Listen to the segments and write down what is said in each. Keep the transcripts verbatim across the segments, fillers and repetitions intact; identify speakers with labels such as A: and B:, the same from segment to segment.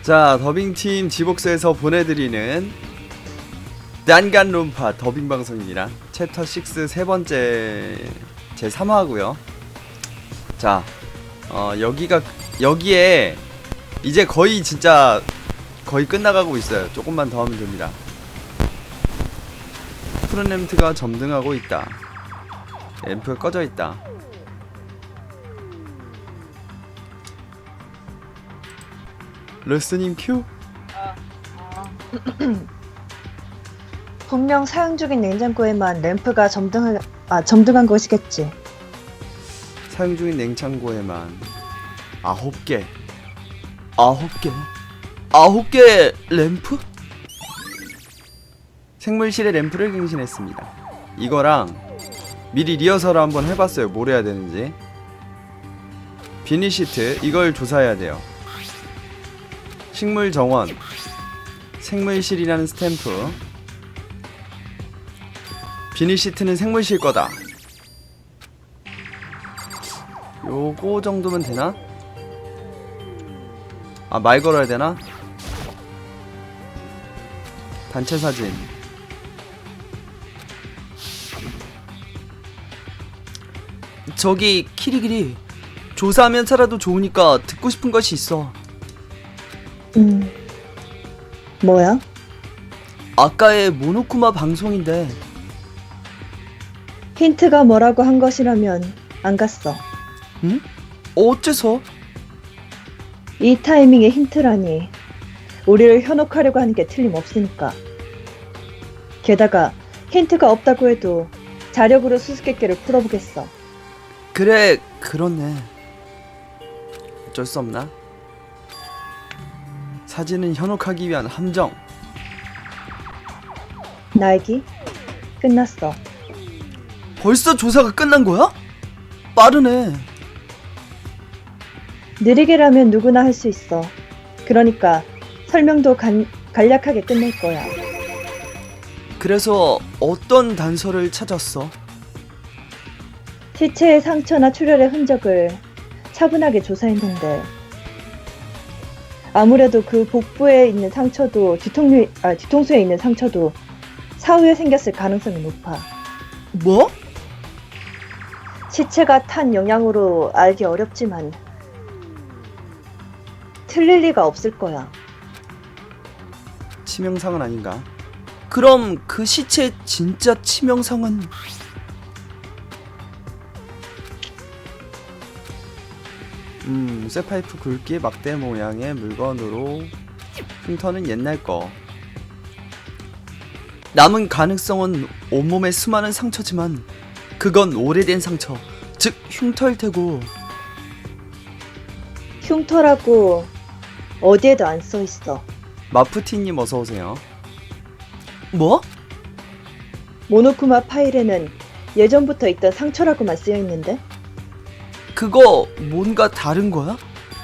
A: 자, 더빙팀 지복스에서 보내드리는 난간론파 더빙 방송입니다. 챕터 육 세 번째 제삼 화고요. 자, 어, 여기가 여기에 이제 거의 진짜 거의 끝나가고 있어요. 조금만 더 하면 됩니다. 푸른 램프가 점등하고 있다. 램프가 꺼져 있다. 러스님 큐?
B: 분명 사용 중인 냉장고에만 램프가 점등한, 아, 점등한 것이겠지.
A: 사용 중인 냉장고에만 아홉 개 아홉 개 아홉 개 램프? 생물실에 램프를 갱신했습니다. 이거랑 미리 리허설을 한번 해봤어요. 뭘 해야 되는지. 비닐 시트 이걸 조사해야 돼요. 식물 정원, 생물실이라는 스탬프. 비닐 시트는 생물실 거다. 요거 정도면 되나? 아, 말 걸어야 되나? 단체 사진. 저기 키리키리, 조사하면 살아도 좋으니까 듣고 싶은 것이 있어.
B: 음, 뭐야?
A: 아까의 모노쿠마 방송인데.
B: 힌트가 뭐라고 한 것이라면 안 갔어.
A: 응? 어째서?
B: 이 타이밍에 힌트라니. 우리를 현혹하려고 하는 게 틀림없으니까. 게다가 힌트가 없다고 해도 자력으로 수수께끼를 풀어보겠어.
A: 그래, 그렇네. 어쩔 수 없나? 사진은 현혹하기 위한 함정.
B: 날기? 끝났어.
A: 벌써 조사가 끝난 거야? 빠르네.
B: 느리게라면 누구나 할 수 있어. 그러니까 설명도 간, 간략하게 끝낼 거야.
A: 그래서 어떤 단서를 찾았어?
B: 시체의 상처나 출혈의 흔적을 차분하게 조사했는데 아무래도 그 복부에 있는 상처도 뒤통수, 아, 뒤통수에 있는 상처도 사후에 생겼을 가능성이 높아.
A: 뭐?
B: 시체가 탄 영향으로 알기 어렵지만 틀릴 리가 없을 거야.
A: 치명상은 아닌가? 그럼 그 시체의 진짜 치명상은? 음, 쇠파이프 굵기 막대 모양의 물건으로 흉터는 옛날 거. 남은 가능성은 온몸에 수많은 상처지만 그건 오래된 상처, 즉 흉터일 테고.
B: 흉터라고 어디에도 안 써 있어.
A: 마프티님 어서 오세요. 뭐?
B: 모노쿠마 파일에는 예전부터 있던 상처라고만 쓰여 있는데
A: 그거 뭔가 다른 거야?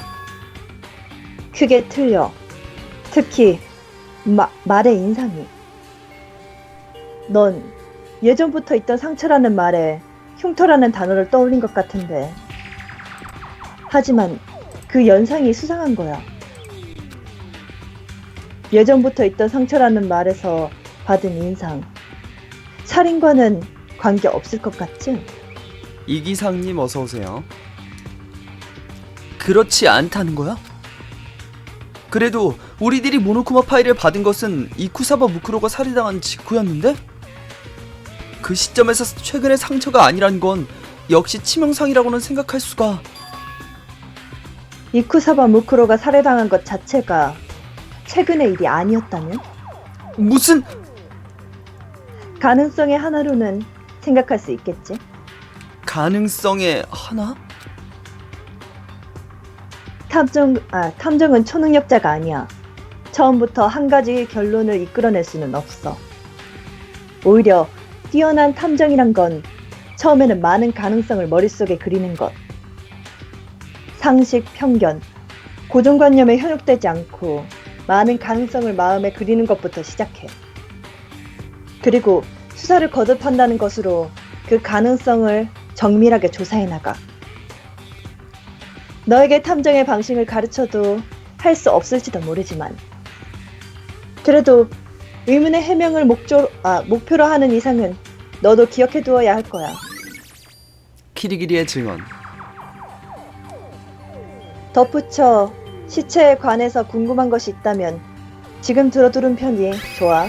B: 크게 틀려. 특히 마, 말의 인상이. 넌 예전부터 있던 상처라는 말에 흉터라는 단어를 떠올린 것 같은데 하지만 그 연상이 수상한 거야. 예전부터 있던 상처라는 말에서 받은 인상. 살인과는 관계 없을 것 같지?
A: 이기상님 어서 오세요. 그렇지 않다는 거야? 그래도 우리들이 모노쿠마 파일을 받은 것은 이쿠사바 무크로가 살해당한 직후였는데? 그 시점에서 최근의 상처가 아니란 건 역시 치명상이라고는 생각할 수가.
B: 이쿠사바 무크로가 살해당한 것 자체가 최근의 일이 아니었다면?
A: 무슨...
B: 가능성의 하나로는 생각할 수 있겠지?
A: 가능성의 하나?
B: 탐정, 아, 탐정은 초능력자가 아니야. 처음부터 한 가지 결론을 이끌어낼 수는 없어. 오히려 뛰어난 탐정이란 건 처음에는 많은 가능성을 머릿속에 그리는 것. 상식, 편견, 고정관념에 현혹되지 않고 많은 가능성을 마음에 그리는 것부터 시작해. 그리고 수사를 거듭한다는 것으로 그 가능성을 정밀하게 조사해 나가. 너에게 탐정의 방식을 가르쳐도 할 수 없을지도 모르지만 그래도 의문의 해명을 목조, 아, 목표로 하는 이상은 너도 기억해두어야 할 거야.
A: 키리기리의 증언.
B: 덧붙여 시체에 관해서 궁금한 것이 있다면 지금 들어두는 편이 좋아.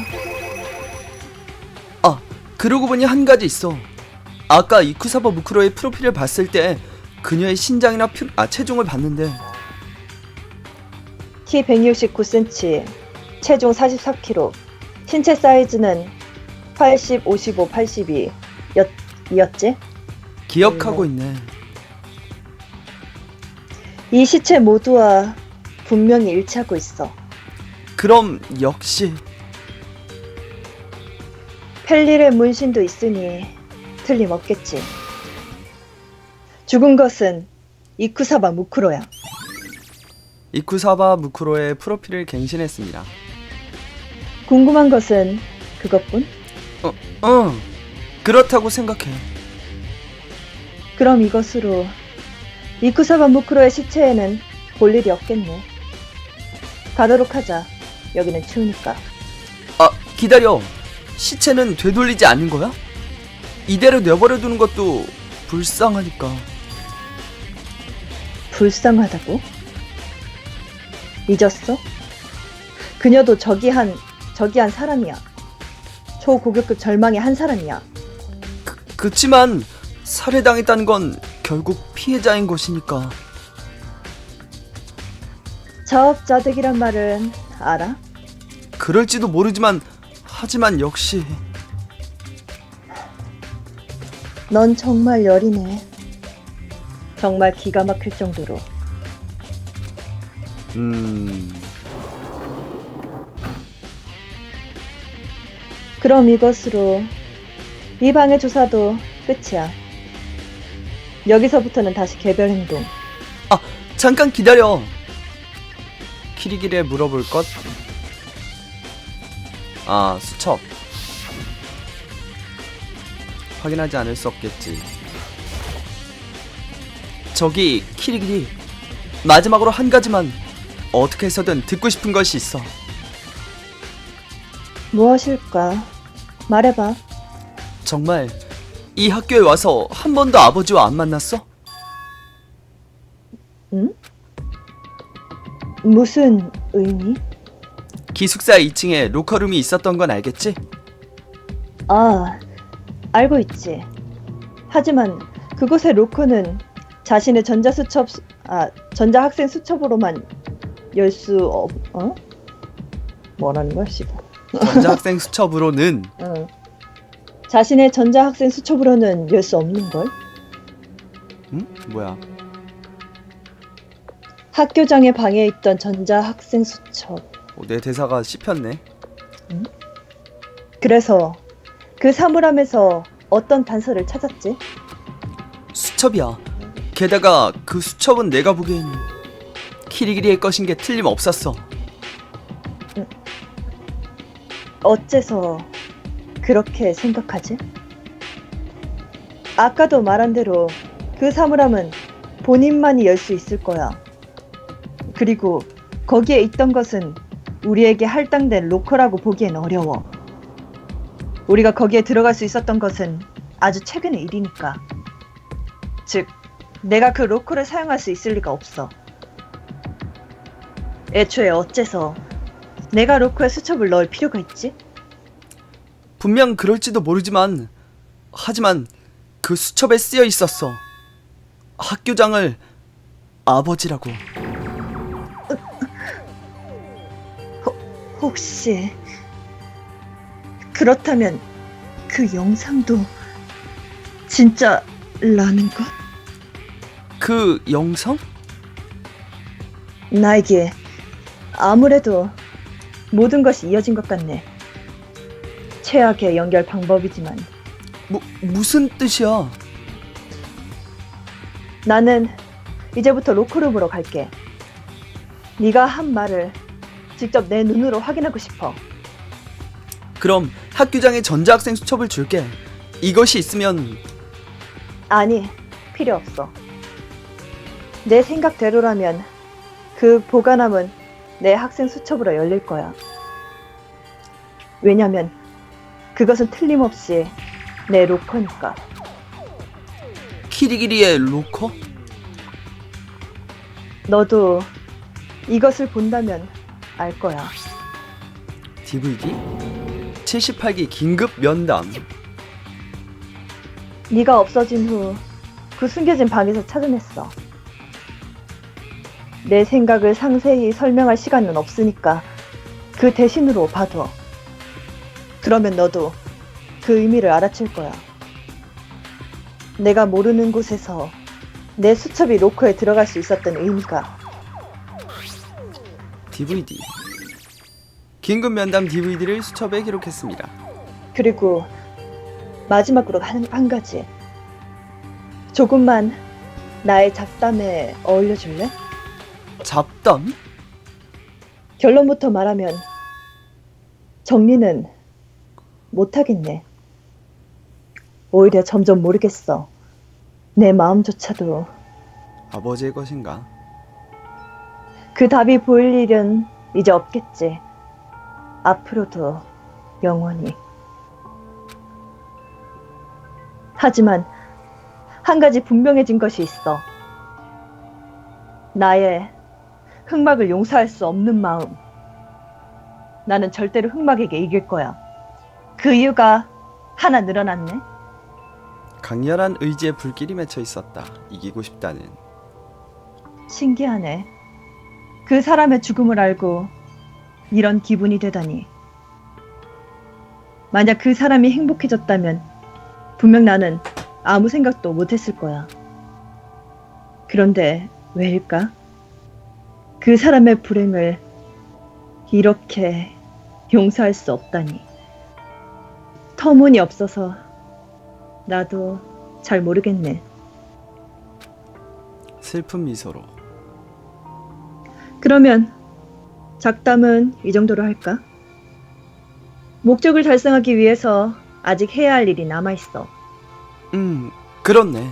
A: 아, 그러고 보니 한 가지 있어. 아까 이쿠사바 무크로의 프로필을 봤을 때 그녀의 신장이나 표, 아, 체중을 봤는데
B: 키 백육십구 센티미터, 체중 사십사 킬로그램, 신체 사이즈는 팔십, 오십오, 팔십이 였, 이었지?
A: 기억하고 있네.
B: 이 시체 모두와 분명히 일치하고 있어.
A: 그럼 역시
B: 펠릴의 문신도 있으니 틀림없겠지. 죽은 것은 이쿠사바 무크로야.
A: 이쿠사바 무크로의 프로필을 갱신했습니다.
B: 궁금한 것은 그것뿐?
A: 어, 어, 그렇다고 생각해.
B: 그럼 이것으로 이쿠사바 무크로의 시체에는 볼 일이 없겠네. 가도록 하자. 여기는 추우니까.
A: 아, 기다려. 시체는 되돌리지 않는 거야? 이대로 내버려 두는 것도 불쌍하니까.
B: 불쌍하다고? 잊었어? 그녀도 저기한 저기한 사람이야. 초고격급 절망의 한 사람이야.
A: 그, 그치만 살해당했다는 건 결국 피해자인 것이니까.
B: 자업자득이란 말은 알아?
A: 그럴지도 모르지만 하지만 역시
B: 넌 정말 여리네. 정말 기가 막힐 정도로.
A: 음...
B: 그럼 이것으로 이 방의 조사도 끝이야. 여기서부터는 다시 개별 행동.
A: 아, 잠깐 기다려. 키리기리에 물어볼 것. 아, 수첩. 확인하지 않을 수 없겠지. 저기 키리기리, 마지막으로 한 가지만 어떻게 해서든 듣고 싶은 것이 있어.
B: 무엇일까? 말해봐.
A: 정말 이 학교에 와서 한 번도 아버지와 안 만났어?
B: 응? 무슨 의미?
A: 기숙사 이 층에 로커룸이 있었던 건 알겠지?
B: 아, 알고 있지. 하지만 그곳의 로커는 자신의 전자수첩, 수- 아, 전자학생 수첩으로만 열 수 없, 어? 뭐라는 거야, 씨발.
A: 전자학생 수첩으로는.
B: 응. 자신의 전자학생 수첩으로는 열 수 없는 걸.
A: 응? 뭐야?
B: 학교장의 방에 있던 전자학생 수첩.
A: 어, 내 대사가 씹혔네.
B: 그래서 그 사물함에서 어떤 단서를 찾았지?
A: 수첩이야. 게다가 그 수첩은 내가 보기엔 키리기리의 것인 게 틀림없었어.
B: 어째서 그렇게 생각하지? 아까도 말한 대로 그 사물함은 본인만이 열 수 있을 거야. 그리고 거기에 있던 것은 우리에게 할당된 로커라고 보기엔 어려워. 우리가 거기에 들어갈 수 있었던 것은 아주 최근의 일이니까. 즉, 내가 그 로커를 사용할 수 있을 리가 없어. 애초에 어째서 내가 로커에 수첩을 넣을 필요가 있지?
A: 분명 그럴지도 모르지만 하지만 그 수첩에 쓰여 있었어. 학교장을 아버지라고.
B: 혹시 그렇다면 그 영상도 진짜라는 것?
A: 그 영상?
B: 나에게 아무래도 모든 것이 이어진 것 같네. 최악의 연결 방법이지만
A: 뭐 무슨 뜻이야?
B: 나는 이제부터 로커룸으로 갈게. 네가 한 말을 직접 내 눈으로 확인하고 싶어.
A: 그럼 학교장에 전자학생 수첩을 줄게. 이것이 있으면.
B: 아니, 필요 없어. 내 생각대로라면 그 보관함은 내 학생 수첩으로 열릴 거야. 왜냐면 그것은 틀림없이 내 로커니까.
A: 키리기리의 로커?
B: 너도 이것을 본다면 알 거야.
A: 디브이디? 칠십팔 기 긴급 면담.
B: 네가 없어진 후 그 숨겨진 방에서 찾아냈어. 내 생각을 상세히 설명할 시간은 없으니까 그 대신으로 봐둬. 그러면 너도 그 의미를 알아챌 거야. 내가 모르는 곳에서 내 수첩이 로커에 들어갈 수 있었던 의미가.
A: 디브이디. 긴급 면담 디브이디를 수첩에 기록했습니다.
B: 그리고 마지막으로 한, 한 가지. 조금만 나의 잡담에 어울려줄래?
A: 잡담?
B: 결론부터 말하면 정리는 못하겠네. 오히려 점점 모르겠어. 내 마음조차도.
A: 아버지의 것인가?
B: 그 답이 보일 일은 이제 없겠지. 앞으로도 영원히. 하지만 한 가지 분명해진 것이 있어. 나의 흑막을 용서할 수 없는 마음. 나는 절대로 흑막에게 이길 거야. 그 이유가 하나 늘어났네.
A: 강렬한 의지의 불길이 맺혀 있었다. 이기고 싶다는.
B: 신기하네. 그 사람의 죽음을 알고 이런 기분이 되다니. 만약 그 사람이 행복해졌다면 분명 나는 아무 생각도 못했을 거야. 그런데 왜일까? 그 사람의 불행을 이렇게 용서할 수 없다니. 터무니없어서 나도 잘 모르겠네.
A: 슬픈 미소로.
B: 그러면 작담은 이 정도로 할까? 목적을 달성하기 위해서 아직 해야 할 일이 남아있어.
A: 음, 그렇네.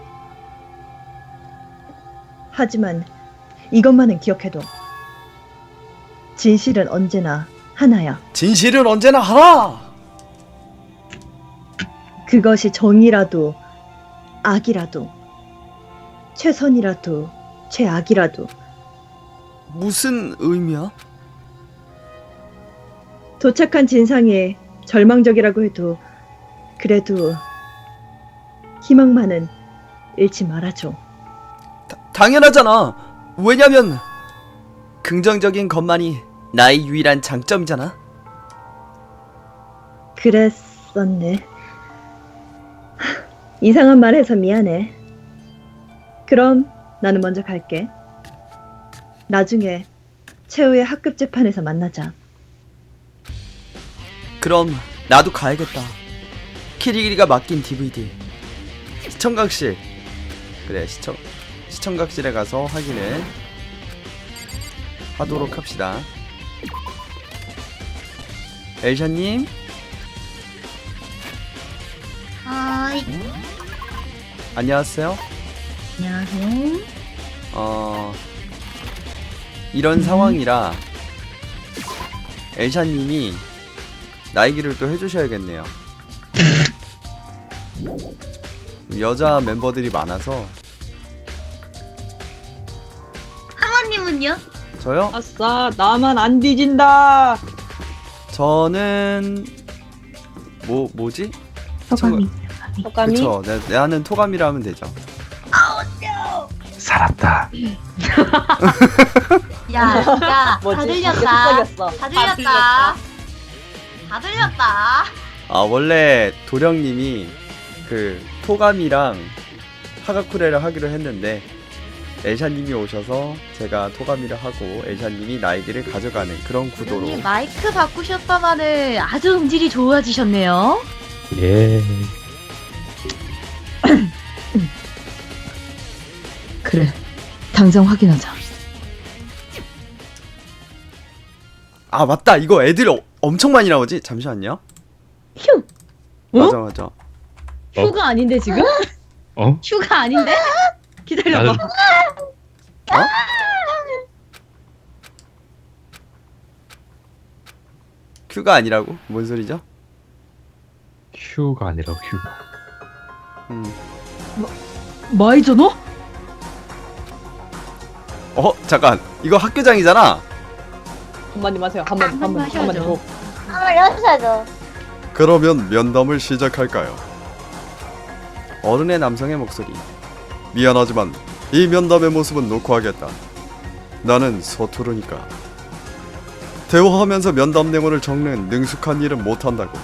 B: 하지만 이것만은 기억해둬. 진실은 언제나 하나야.
A: 진실은 언제나 하나!
B: 그것이 정이라도 악이라도 최선이라도 최악이라도.
A: 무슨 의미야?
B: 도착한 진상이 절망적이라고 해도 그래도 희망만은 잃지 말아줘.
A: 다, 당연하잖아. 왜냐면 긍정적인 것만이 나의 유일한 장점이잖아.
B: 그랬었네. 하, 이상한 말 해서 미안해. 그럼 나는 먼저 갈게. 나중에 최후의 학급 재판에서 만나자.
A: 그럼 나도 가야겠다. 키리기리가 맡긴 디브이디 시청각실. 그래, 시청 시청각실에 가서 확인을 하도록 합시다. 엘샤님,
C: 하이.
A: 안녕하세요.
C: 안녕하세요.
A: 어 이런 상황이라 엘샤님이 나이기를 또 해주셔야겠네요. 여자 멤버들이 많아서.
C: 하마님은요?
A: 저요?
B: 아싸, 나만 안 뒤진다.
A: 저는 뭐 뭐지?
C: 소감이.
B: 소감이?
A: 그쵸. 내, 나는 토감이라 하면 되죠.
D: 살았다.
C: 야, 야, 다
B: 뭐지?
C: 들렸다.
B: 다
C: 다 들렸다. 다 들렸다.
A: 아, 원래 도령님이 그 토감이랑 하가쿠레를 하기로 했는데 엘샤님이 오셔서 제가 토감이를 하고 엘샤님이 나이기를 가져가는 그런 구도로.
C: 도령님 마이크 바꾸셨다마는 아주 음질이 좋아지셨네요.
D: 예.
C: 그래, 당장 확인하자.
A: 아, 맞다. 이거 애들 어, 엄청 많이 나오지? 잠시만요.
B: 휴!
A: 맞아 맞아.
B: 휴가 아닌데 지금?
D: 어?
B: 휴가 아닌데? 기다려봐.
D: 나는
A: 어? 큐가 아니라고? 뭔 소리죠?
D: 휴가 아니라 휴.
A: 음.
C: 마이저너?
A: 어 잠깐 이거 학교장이잖아.
B: 한마디 하세요. 한마디
C: 한마디
B: 한마디 한마디.
C: 하셔야죠.
B: 뭐.
E: 아무래도
A: 그러면 면담을 시작할까요? 어른의 남성의 목소리. 미안하지만 이 면담의 모습은 놓고 하겠다. 나는 서투르니까. 대화하면서 면담 내용을 적는 능숙한 일은 못한다고.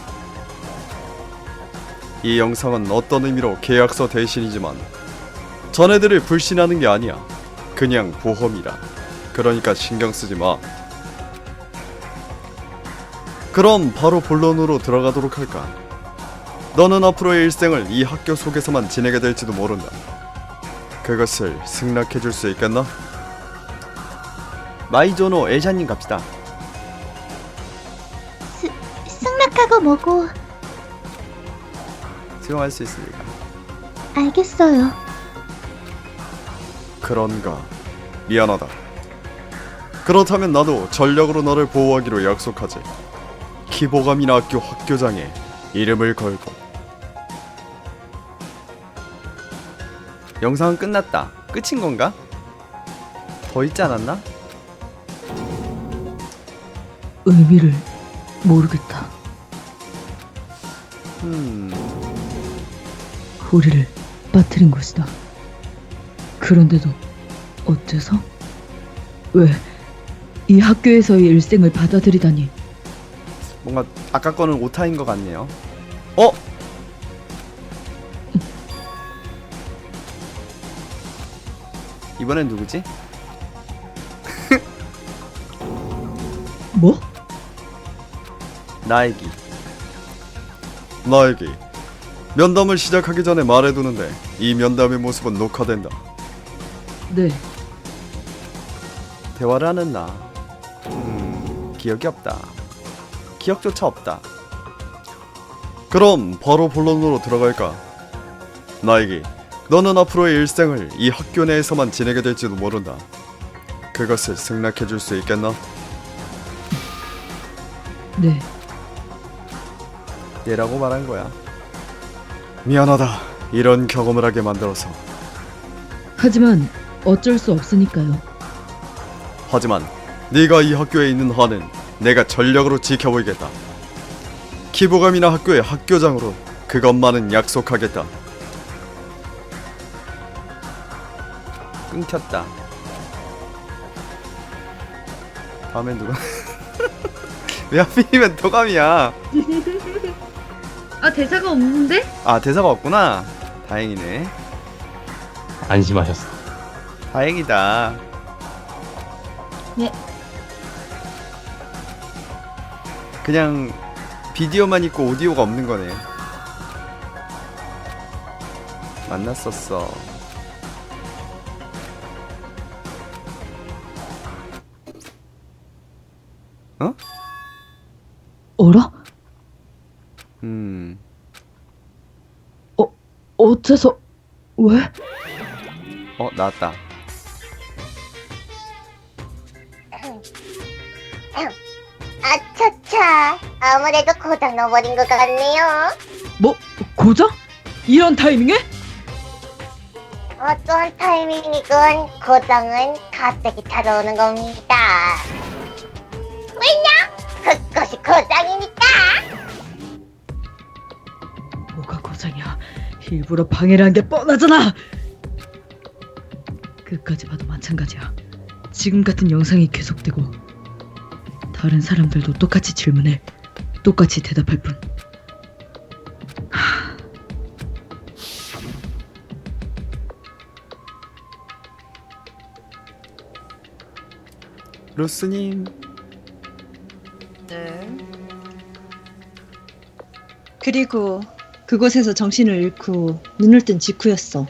A: 이 영상은 어떤 의미로 계약서 대신이지만 자네들을 불신하는 게 아니야. 그냥 보험이라. 그러니까 신경 쓰지 마. 그럼 바로 본론으로 들어가도록 할까? 너는 앞으로의 일생을 이 학교 속에서만 지내게 될지도 모른다. 그것을 승낙해줄 수 있겠나? 마이조노 엘샤님 갑시다.
E: 승낙하고 뭐고.
A: 수용할 수 있습니다.
E: 알겠어요.
A: 그런가. 미안하다. 그렇다면 나도 전력으로 너를 보호하기로 약속하지. 키보가미나 학교 학교장에 이름을 걸고. 영상은 끝났다. 끝인 건가? 더 있지 않았나?
C: 의미를 모르겠다.
A: 음...
C: 우리를 빠뜨린 것이다. 그런데도 어째서? 왜 이 학교에서의 일생을 받아들이다니.
A: 뭔가 아까 거는 오타인 것 같네요. 어? 이번엔 누구지?
C: 뭐?
A: 나에기. 나에기. 면담을 시작하기 전에 말해두는데 이 면담의 모습은 녹화된다.
C: 네.
A: 대화를 하는 나. 음... 기억이 없다. 기억조차 없다. 그럼 바로 본론으로 들어갈까? 나에게 너는 앞으로의 일생을 이 학교 내에서만 지내게 될지도 모른다. 그것을 승낙해줄 수 있겠나?
C: 네.
A: 얘라고 말한 거야. 미안하다. 이런 경험을 하게 만들어서.
C: 하지만 어쩔 수 없으니까요.
A: 하지만 네가 이 학교에 있는 한은 내가 전력으로 지켜보이겠다. 키보가미나 학교의 학교장으로 그것만은 약속하겠다. 끊겼다. 다음엔 누가? 왜 하필이면 도감이야?
C: 아, 대사가 없는데?
A: 아 대사가 없구나. 다행이네.
D: 안심하셨어.
A: 다행이다.
C: 네.
A: 그냥 비디오만 있고 오디오가 없는 거네. 만났었어. 어?
C: 어라?
A: 음.
C: 어째서? 왜?
A: 어 나왔다.
E: 아차차. 아무래도 고장 넣어버린 것 같네요.
C: 뭐? 고장? 이런 타이밍에?
E: 어떤 타이밍이건 고장은 갑자기 찾아오는 겁니다. 왜냐? 그것이 고장이니까.
C: 뭐가 고장이야? 일부러 방해를 한 게 뻔하잖아. 끝까지 봐도 마찬가지야. 지금 같은 영상이 계속되고 다른 사람들도 똑같이 질문해 똑같이 대답할 뿐. 하...
A: 루스님.
B: 네. 그리고 그곳에서 정신을 잃고 눈을 뜬 직후였어.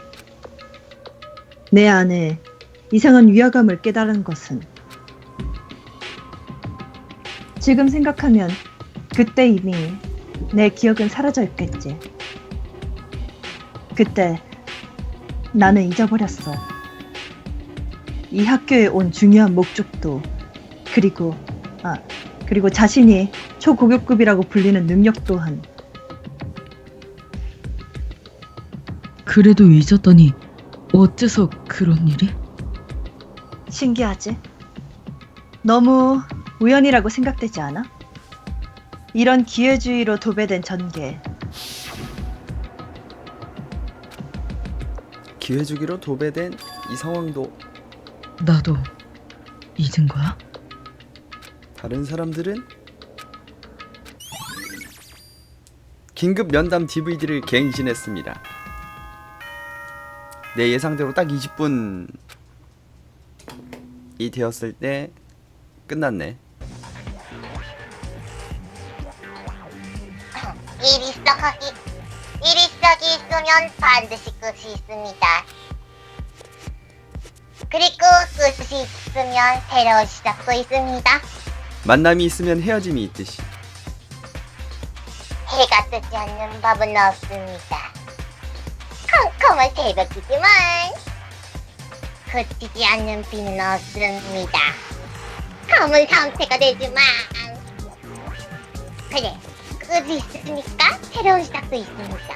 B: 내 안에 이상한 위화감을 깨달은 것은 지금 생각하면 그때 이미 내 기억은 사라져 있겠지. 그때 나는 잊어버렸어. 이 학교에 온 중요한 목적도 그리고 아 그리고 자신이 초고급급이라고 불리는 능력 또한.
C: 그래도 잊었더니 어째서 그런 일이?
B: 신기하지? 너무 우연이라고 생각되지 않아? 이런 기회주의로 도배된 전개.
A: 기회주기로 도배된 이 상황도
C: 나도 잊은 거야?
A: 다른 사람들은 긴급 면담 디브이디를 갱신했습니다. 내 예상대로 딱 이십 분이 되었을 때 끝났네.
E: 일 시작하기, 일이 시작이 있으면 반드시 끝이 있습니다. 그리고 끝이 있으면 새로운 시작도 있습니다.
A: 만남이 있으면 헤어짐이 있듯이.
E: 해가 뜨지 않는 밥은 없습니다. 컴컴한 새벽이지만 그치지 않는 비는 없습니다. 검은 상태가 되지만 그래, 끝이 있으니까 새로운 시작도 있습니다.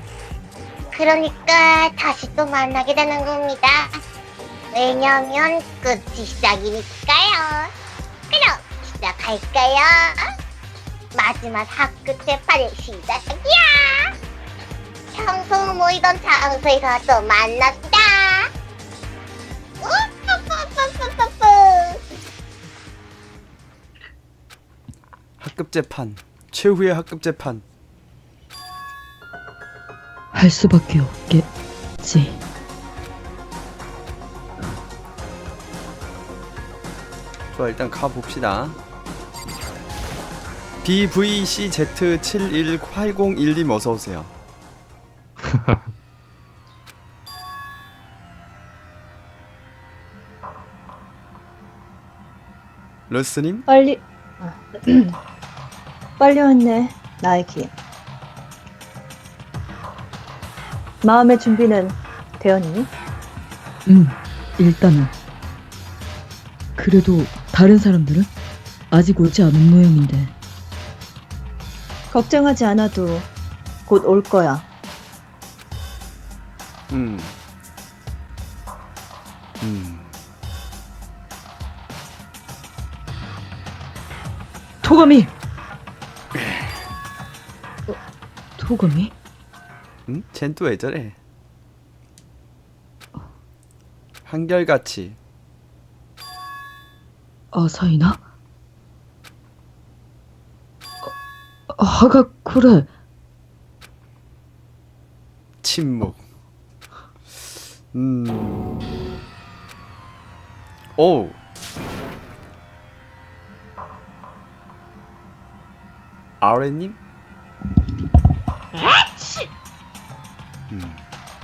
E: 그러니까 다시 또 만나게 되는 겁니다. 왜냐면 끝이 시작이니까요. 그럼 시작할까요? 마지막 학교 재판의 시작이야. 평소 모이던 장소에서 또 만납시다. 우뿌뿌뿌뿌뿌뿌.
A: 학급 재판, 최후의 학급 재판.
C: 할 수밖에 없겠지.
A: 좋아, 일단 가봅시다. 비브이씨지 칠일팔공일님 어서오세요. 러스님?
B: 빨리 아, 빨리 왔네, 나에게. 마음의 준비는 되었니?
C: 응, 일단은. 그래도 다른 사람들은 아직 오지 않은 모양인데.
B: 걱정하지 않아도 곧 올 거야.
A: 음. 음.
C: 토가미! 어, 토가미?
A: 응? 쟨 또 왜 저래? 한결같이.
C: 아사히나? 어, 하가 그래.
A: 침묵. 음. 오. 아레님? 음.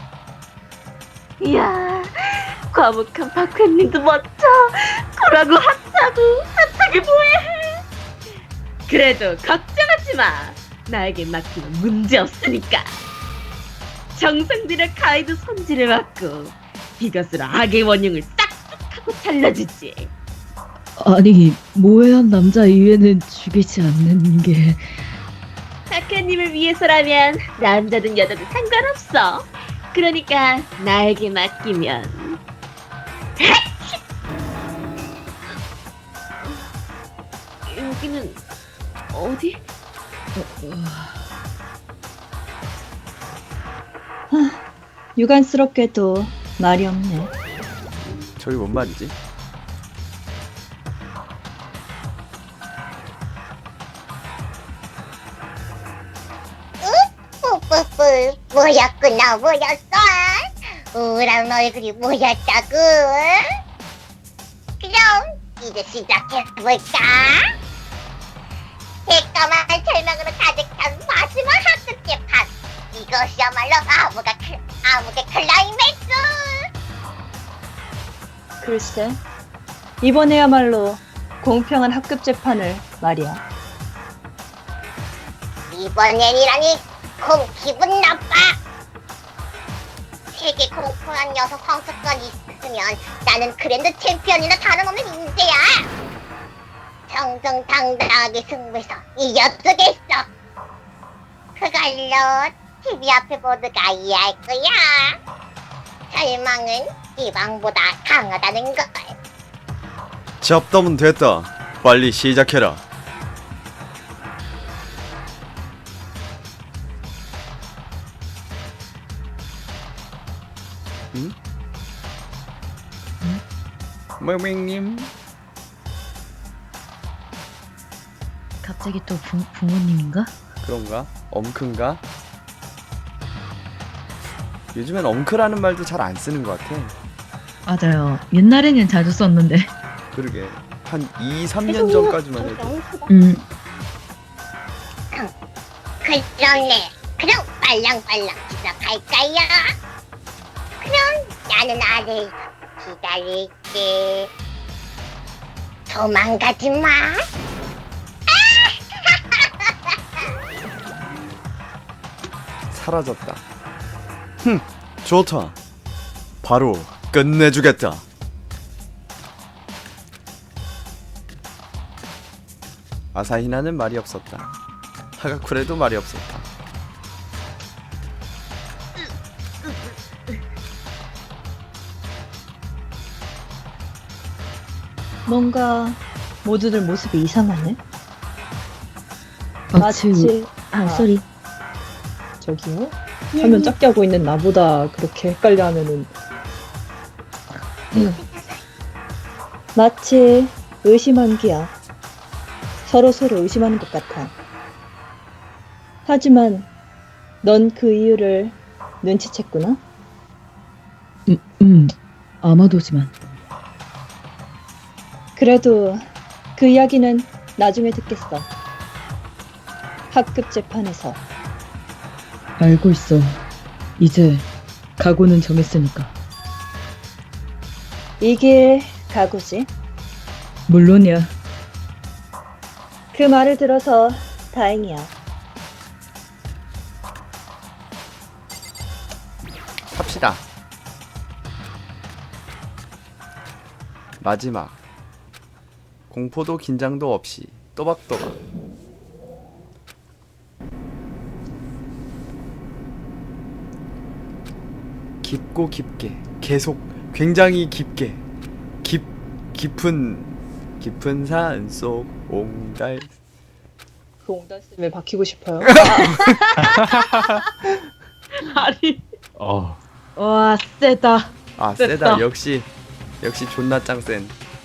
F: 이야, 과묵한 박회님도 멋져. 그러고 핫하고 핫하게 보해. 그래도 걱정하지 마. 나에게 맡기면 문제 없으니까. 정성 들여 가이드 손질을 맡고 이것으로 악의 원흉을 싹둑 하고 잘라주지.
C: 아니, 모해한 남자 이외는 죽이지 않는 게...
F: 박회님을 위해서라면 남자든 여자든 상관없어. 그러니까 나에게 맡기면. 여기는 어디?
B: 유감스럽게도 말이 없네.
A: 저기 뭔 말이지?
E: 뿌뿌뿌. 뭐였구나, 뭐였어? 우울한 얼굴이 뭐였다고? 그럼 이제 시작해볼까? 새까만 절망으로 가득한 마지막 학급 재판. 이것이야말로 암흑의, 클, 암흑의 클라이맥스.
B: 글쎄, 이번에야말로 공평한 학급 재판을 말이야.
E: 이번엔이라니 공 기분 나빠. 세계 공평한 녀석 황석권이 있으면 나는 그랜드 챔피언이나 다름없는 인재야. 저 정정당당하게 승부해서 이겨주겠어. 그걸로 티비 앞에 모두가 이해할 거야. 절망은 기방보다 강하다는 걸.
A: 잡담은 됐다. 빨리 시작해라. 응? 응? 모밍님.
C: 갑자기 또 부, 부모님인가?
A: 그런가? 엄큰가? 요즘엔 엄크라는 말도 잘 안 쓰는 것 같아.
C: 맞아요. 옛날에는 자주 썼는데.
A: 그러게. 한 이, 삼 년 전까지만 해도.
C: 음,
E: 그러네. 그럼 빨랑빨랑 시작할까요? 그럼 나는 아래에서 기다릴게. 도망가지 마.
A: 사라졌다. 흠, 좋다. 바로 끝내주겠다. 아사히나는 말이 없었다. 하가쿠레도 말이 없었다.
B: 뭔가 모두들 모습이 이상하네.
C: 마치
B: 마치
C: 아, 쏘리.
B: 저기요? 화면 작게 하고 있는 나보다 그렇게 헷갈려 하면은 음. 마치 의심한 귀야. 서로 서로 의심하는 것 같아. 하지만 넌 그 이유를 눈치챘구나.
C: 음, 음, 아마도지만.
B: 그래도 그 이야기는 나중에 듣겠어. 학급 재판에서.
C: 알고 있어. 이제 각오는 정했으니까.
B: 이 길 가고지.
C: 물론이야.
B: 그 말을 들어서 다행이야.
A: 탑시다. 마지막. 공포도 긴장도 없이 또박또박. 깊고 깊게, 계속 굉장히 깊게, 깊 깊은 깊은 산속 옹달.
B: 그 옹달샘에 박히고 싶어요.
C: 아니.
D: 어,
C: 와, 세다.
A: 아
C: 됐다.
A: 세다. 역시 역시 존나 짱센.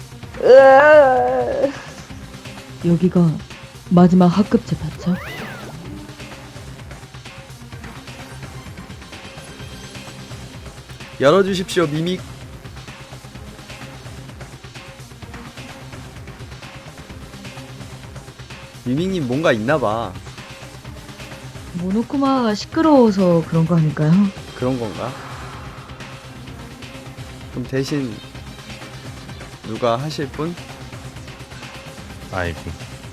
B: 으아.
C: 여기가 마지막 학급 재판처?
A: 열어주십시오 미믹. 미믹님 뭔가 있나봐.
C: 모노쿠마가 시끄러워서 그런 거 아닐까요?
A: 그런 건가? 그럼 대신 누가 하실 분?
D: 아이고.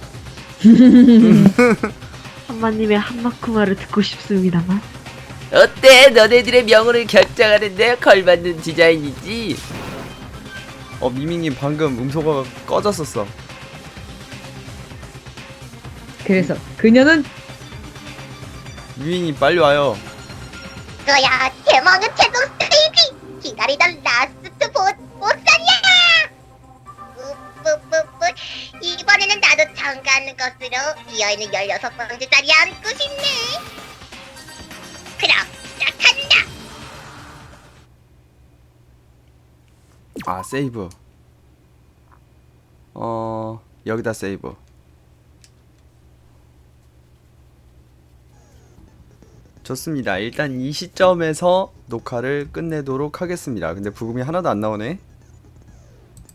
F: 한마님의 한마쿠마를 듣고 싶습니다만.
A: 어때? 너네들의 명언을 결정하는데 걸맞는 디자인이지? 어 미밍님 방금 음소거가 꺼졌었어.
C: 그래서 그녀는
A: 미밍님 빨리 와요.
E: 그야 대망의 최종 스테이지. 기다리던 라스트 보, 보스야. 뿌뿌뿌뿌. 이번에는 나도 참가하는 것으로 이 여인은 열여섯 번째 자리에 앉고 싶네. 그럼 시작한다.
A: 아 세이브. 어 여기다 세이브. 좋습니다. 일단 이 시점에서 녹화를 끝내도록 하겠습니다. 근데 부금이 하나도 안 나오네.